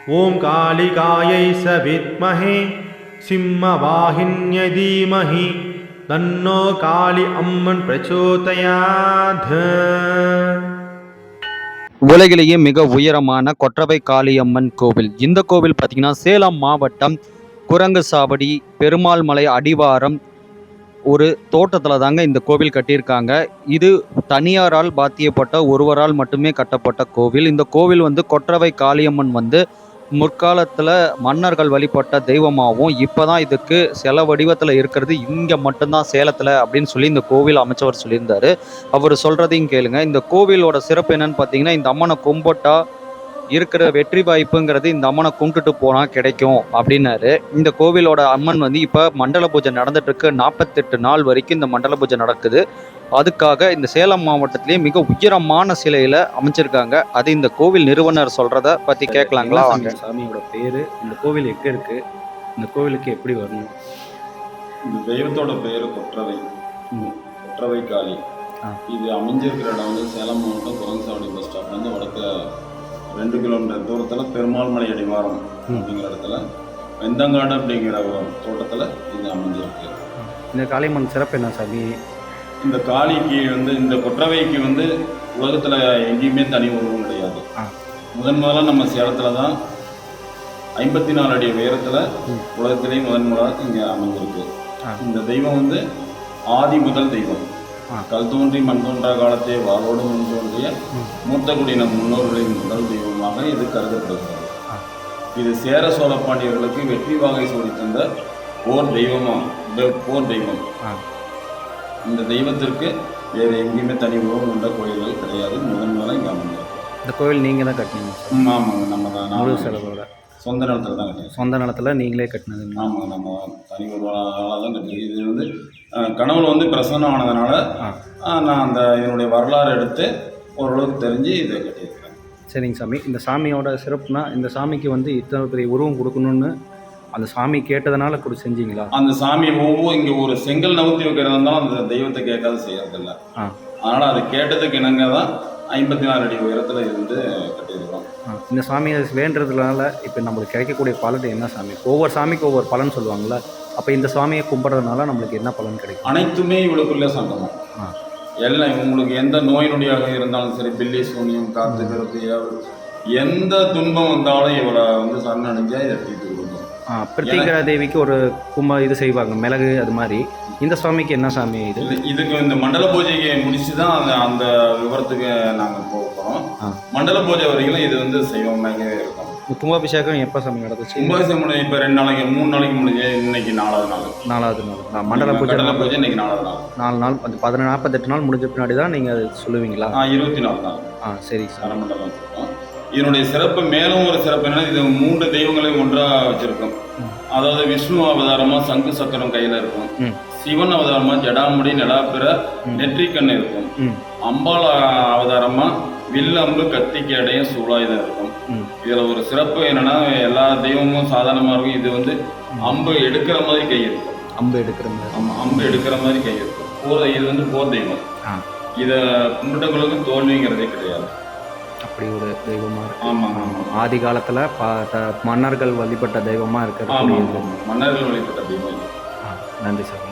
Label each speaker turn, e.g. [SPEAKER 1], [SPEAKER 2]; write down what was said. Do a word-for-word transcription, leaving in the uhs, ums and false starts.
[SPEAKER 1] ஓம் காளிகாயை சவித்மஹே சிம்மவாஹின்யை தீமஹி தன்னோ காளி அம்மன் பிரச்சோதயாத்.
[SPEAKER 2] உலகிலேயே மிக உயரமான கொற்றவை காளியம்மன் கோவில். இந்த கோவில் பார்த்தீங்கன்னா சேலம் மாவட்டம் குரங்குசாவடி பெருமாள் மலை அடிவாரம் ஒரு தோட்டத்தில் தாங்க இந்த கோவில் கட்டியிருக்காங்க. இது தனியாரால் பாத்தியப்பட்ட ஒருவரால் மட்டுமே கட்டப்பட்ட கோவில். இந்த கோவில் வந்து கொற்றவை காளியம்மன் வந்து முற்காலத்தில் மன்னர்கள் வழிபட்ட தெய்வமாகவும் இப்போ தான் இதுக்கு சில வடிவத்தில் இருக்கிறது இங்கே மட்டும்தான் சேலத்தில் அப்படின்னு சொல்லி இந்த கோவில் அமைச்சவர் சொல்லியிருந்தார். அவர் சொல்கிறதையும் கேளுங்க. இந்த கோவிலோட சிறப்பு என்னன்னு பார்த்தீங்கன்னா, இந்த அம்மனை கும்பிட்டா இருக்கிற வெற்றி வாய்ப்புங்கிறது இந்த அம்மனை கும்பிட்டுட்டு போனால் கிடைக்கும் அப்படின்னாரு. இந்த கோவிலோட அம்மன் வந்து இப்போ மண்டல பூஜை நடந்துட்டுருக்கு. நாற்பத்தெட்டு நாள் வரைக்கும் இந்த மண்டல பூஜை நடக்குது. அதுக்காக இந்த சேலம் மாவட்டத்திலேயே மிக உயரமான சிலையில் அமைச்சிருக்காங்க. அது இந்த கோவில் நிறுவனர் சொல்கிறத பற்றி கேட்கலாங்களா? வாங்க.
[SPEAKER 3] சாமியோட பேர், இந்த கோவில் எங்கே இருக்குது, இந்த கோவிலுக்கு எப்படி வரணும்?
[SPEAKER 4] இந்த தெய்வத்தோட பேர் கொற்றவை கொற்றவை காளி. இது அமைஞ்சிருக்கிற இடம் வந்து சேலம் மாவட்டம் குரங்குசாவடி பஸ் ஸ்டாப்லேருந்து வடக்க ரெண்டு கிலோமீட்டர் தூரத்தில் பெருமாள் மலை அடிவாரம் அப்படிங்கிற இடத்துல வெந்தங்காடு அப்படிங்கிற தோட்டத்தில் இது அமைஞ்சிருக்கு.
[SPEAKER 3] இந்த காளியம்மன் சிறப்பு என்ன சாமி?
[SPEAKER 4] இந்த காளிக்கு வந்து இந்த கொற்றவைக்கு வந்து உலகத்தில் எங்கேயுமே தனி உருவம் கிடையாது. முதன் முதலாக நம்ம சேலத்தில் தான் ஐம்பத்தி நாலு அடி உயரத்தில் உலகத்திலேயே முதன் முதலாக இங்கே அமைஞ்சிருக்கு. இந்த தெய்வம் வந்து ஆதி முதல் தெய்வம். கல் தோன்றி மண் தோன்றா காலத்தே வாளோடு முன் தோன்றிய மூத்த குடியின முன்னோர்களின் முதல் தெய்வமாக இது கருதப்படுகிறது. இது சேர சோழ பாண்டியர்களுக்கு வெற்றி வாகை சூடி தந்த போர் தெய்வமா போர் தெய்வம். இந்த தெய்வத்திற்கு வேறு எங்கேயுமே தனி உருவம் கொண்ட கோயில்கள் கிடையாது. முதன் முதலாக இங்கே அமைஞ்சிருக்கு.
[SPEAKER 3] இந்த கோவில் நீங்கள் தான் கட்டினீங்க?
[SPEAKER 4] ஆமாங்க, நம்ம தான் முழு செலவோட சொந்த நிலத்தில் தான் கட்டினோம்.
[SPEAKER 3] சொந்த நிலத்தில் நீங்களே கட்டினது?
[SPEAKER 4] ஆமாங்க, நம்ம தனி ஒரு தான் கட்டினது. இது வந்து கனவுல வந்து பிரசன்னம் ஆனதுனால நான் அந்த இதனுடைய வரலாறு எடுத்து ஓரளவுக்கு தெரிஞ்சு இதை கட்டியிருக்கிறேன்.
[SPEAKER 3] சரிங்க சாமி. இந்த சாமியோட சிறப்புனா, இந்த சாமிக்கு வந்து இத்தனை பெரிய உருவம் கொடுக்கணும்னு அந்த சாமி கேட்டதுனால கூட செஞ்சீங்களா?
[SPEAKER 4] அந்த சாமி ஒவ்வொரு இங்கே ஒரு செங்கல் நவுத்தி வைக்கிறதா இருந்தாலும் அந்த தெய்வத்தை கேட்காத செய்யறதில்ல. அதனால் அது கேட்டதுக்கு இணங்க தான் ஐம்பத்தி நாலு அடி உயரத்தில் இருந்து கட்டியிருக்கிறோம்.
[SPEAKER 3] இந்த சாமியை வேண்டுறதுனால இப்போ நம்மளுக்கு கிடைக்கக்கூடிய பலன் என்ன சாமி? ஒவ்வொரு சாமிக்கு ஒவ்வொரு பலன் சொல்லுவாங்கள்ல, அப்போ இந்த சாமியை கும்பிட்றதுனால நம்மளுக்கு என்ன பலன் கிடைக்கும்?
[SPEAKER 4] அனைத்துமே இவளுக்குள்ளே சங்கமம். எல்லாம் உங்களுக்கு எந்த நோய் நொடியாக இருந்தாலும் சரி, பில்லி சூனியம் காத்து கருத்து எந்த துன்பம் வந்தாலும் இவளை வந்து சரணடைஞ்சா இதை தீர்த்து கொடுக்கும்.
[SPEAKER 3] பிரத்யேகரா தேவிக்கு ஒரு கும்ப இது செய்வாங்க, மிளகு, அது மாதிரி. இந்த சாமிக்கு என்ன சாமி இது?
[SPEAKER 4] இதுக்கு இந்த மண்டல பூஜைக்கு முடிச்சு தான் அந்த அந்த விவரத்துக்கு நாங்கள் போக போகிறோம். மண்டல பூஜை வரைக்கும் இது வந்து செய்வோமாகவே இருக்கும்.
[SPEAKER 3] கும்பாபிஷேகம் எப்போ சாமி நடந்துச்சு?
[SPEAKER 4] கும்பாபிஷேகம் முடிஞ்சு இப்போ ரெண்டு நாளைக்கு மூணு நாளைக்கு முடிஞ்சு, இன்னைக்கு நாலாவது நாள்.
[SPEAKER 3] நாலாவது நாள் மண்டல பூஜை.
[SPEAKER 4] மண்டல பூஜை இன்னைக்கு நாலாவது நாள்.
[SPEAKER 3] நாலு நாள் அந்த பதின நாற்பத்தெட்டு நாள் முடிஞ்ச பின்னாடி தான் நீங்கள் அது சொல்லுவீங்களா?
[SPEAKER 4] ஆ, இருபத்தி நாலு நாள்.
[SPEAKER 3] ஆ, சரி சார்.
[SPEAKER 4] மண்டலம் சொல்லுவோம். இதனுடைய சிறப்பு மேலும் ஒரு சிறப்பு என்னன்னா, இது மூன்று தெய்வங்களையும் ஒன்றாக வச்சிருக்கோம். அதாவது விஷ்ணு அவதாரமாக சங்கு சக்கரம் கையில் இருக்கும், சிவன் அவதாரமா ஜடாமுடி நிலாப்பிற நெற்றிக்கண்ணு இருக்கும், அம்பாள் அவதாரமா வில்லம்பு கத்திக்கு இடையும் சூழாயுதம் இருக்கும். இதுல ஒரு சிறப்பு என்னன்னா, எல்லா தெய்வமும் சாதாரணமா இருக்கும். இது வந்து அம்பு எடுக்கிற மாதிரி கை இருக்கும்.
[SPEAKER 3] அம்பு எடுக்கிற மாதிரி?
[SPEAKER 4] ஆமா, அம்பு எடுக்கிற மாதிரி கை இருக்கும். போர் இது வந்து போர் தெய்வம். இதை கும்பிட்டவங்களுக்கு தோல்விங்கிறதே கிடையாது.
[SPEAKER 3] அப்படி ஒரு தெய்வமா இருக்கு.
[SPEAKER 4] ஆமா ஆமா,
[SPEAKER 3] ஆதி காலத்துல மன்னர்கள் வழிபட்ட தெய்வமா இருக்கிறது.
[SPEAKER 4] மன்னர்கள் வழிபட்ட தெய்வம்.
[SPEAKER 3] நன்றி சார்.